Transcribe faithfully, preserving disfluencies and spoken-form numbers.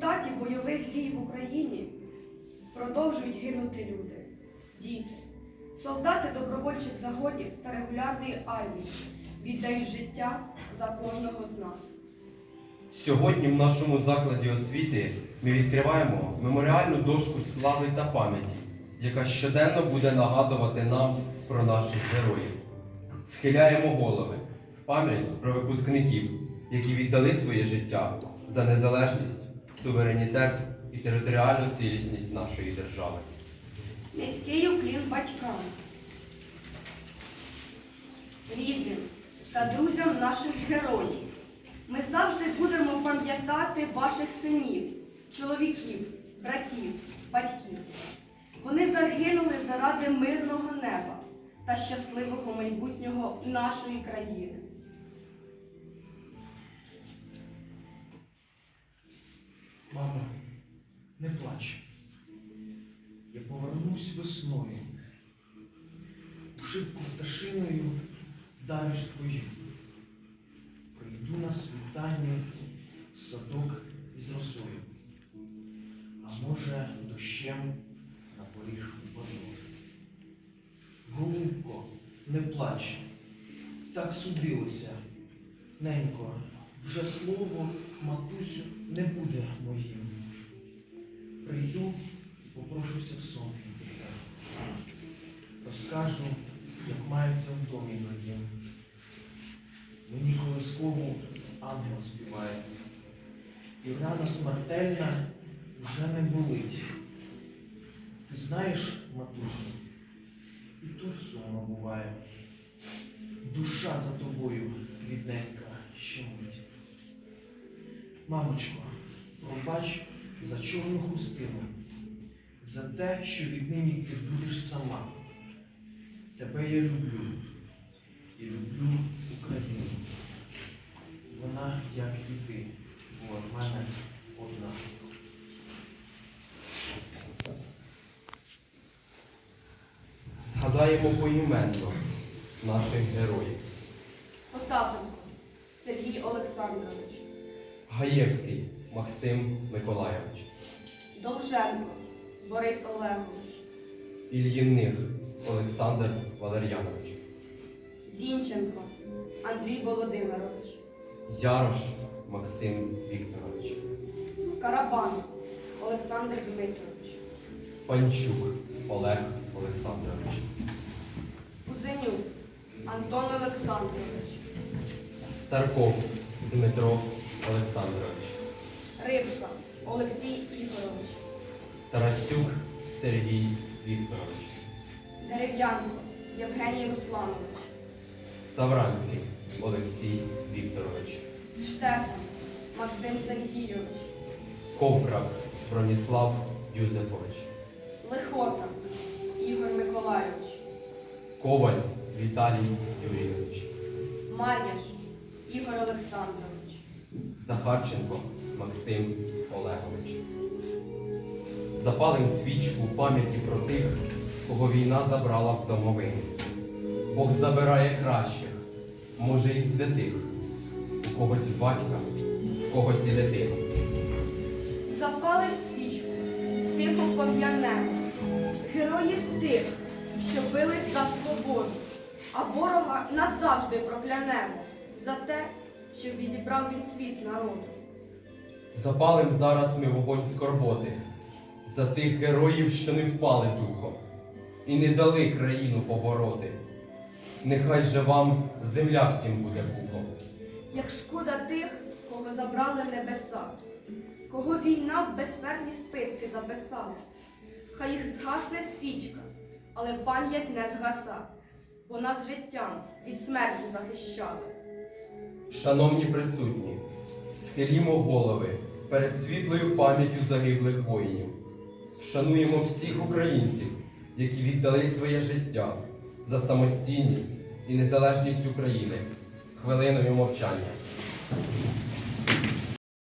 результаті бойових дій в Україні продовжують гинути люди, діти, солдати добровольчих загонів та регулярної армії віддають життя за кожного з нас. Сьогодні в нашому закладі освіти ми відкриваємо меморіальну дошку слави та пам'яті, яка щоденно буде нагадувати нам про наших героїв. Схиляємо голови в пам'ять про випускників, які віддали своє життя за незалежність, суверенітет і територіальну цілісність нашої держави. Низький уклін батькам, рідним та друзям наших героїв. Ми завжди будемо пам'ятати ваших синів, чоловіків, братів, батьків. Вони загинули заради мирного неба та щасливого майбутнього нашої країни. Мамо, не плач. Я повернусь весною. В шибку пташиною вдарюсь твою. Прийду на світанні в садок із росою. А може, дощем на поріг упаду. Голубко, не плач. Так судилося. Ненько, вже слово, матусю, не буде моїм. Прийду і попрошуся в сон від тебе. Розкажу, як мається в домі моїм. Мені колискову ангел співає. І рана смертельна вже не болить. Ти знаєш, матусю, і тут сумно буває. Душа за тобою, рідненька, щемить. Мамочко, пробач за чорну хустину, за те, що віднині ти будеш сама. Тебе я люблю і люблю Україну. Вона, як і ти, була в мене одна. Згадаємо поіменно наших героїв. Потапенко Сергій Олександрович, Гаєвський Максим Миколайович, Довженко Борис Олегович, Ільїних Олександр Валер'янович, Зінченко Андрій Володимирович, Ярош Максим Вікторович, Карабан Олександр Дмитрович, Панчук Олег Олександрович, Кузенюк Антон Олександрович, Старков Дмитро Олександрович, Рибка Олексій Ігорович, Тарасюк Сергій Вікторович, Дерев'янко Євгеній Русланович, Савранський Олексій Вікторович, Штефан Максим Сергійович, Ковкрак Броніслав Юзефович, Лихота Ігор Миколайович, Коваль Віталій Юрійович, Мар'яш Ігор Олександрович, Захарченко Максим Олегович. Запалим свічку в пам'яті про тих, кого війна забрала в домовину. Бог забирає кращих, може і святих, у когось батька, у когось і дитину. Запалим свічку, тихо пом'янемо героїв тих, що бились за свободу, а ворога назавжди проклянемо за те, що відібрав він світ народу. Запалим зараз ми вогонь скорботи за тих героїв, що не впали духом і не дали країну побороти. Нехай же вам земля всім буде пухом. Як шкода тих, кого забрали небеса, кого війна в безсмертні списки записала. Хай їх згасне свічка, але пам'ять не згаса, бо нас життям від смерті захищали. Шановні присутні, схилімо голови перед світлою пам'яттю загиблих воїнів. Вшануємо всіх українців, які віддали своє життя за самостійність і незалежність України хвилиною мовчання.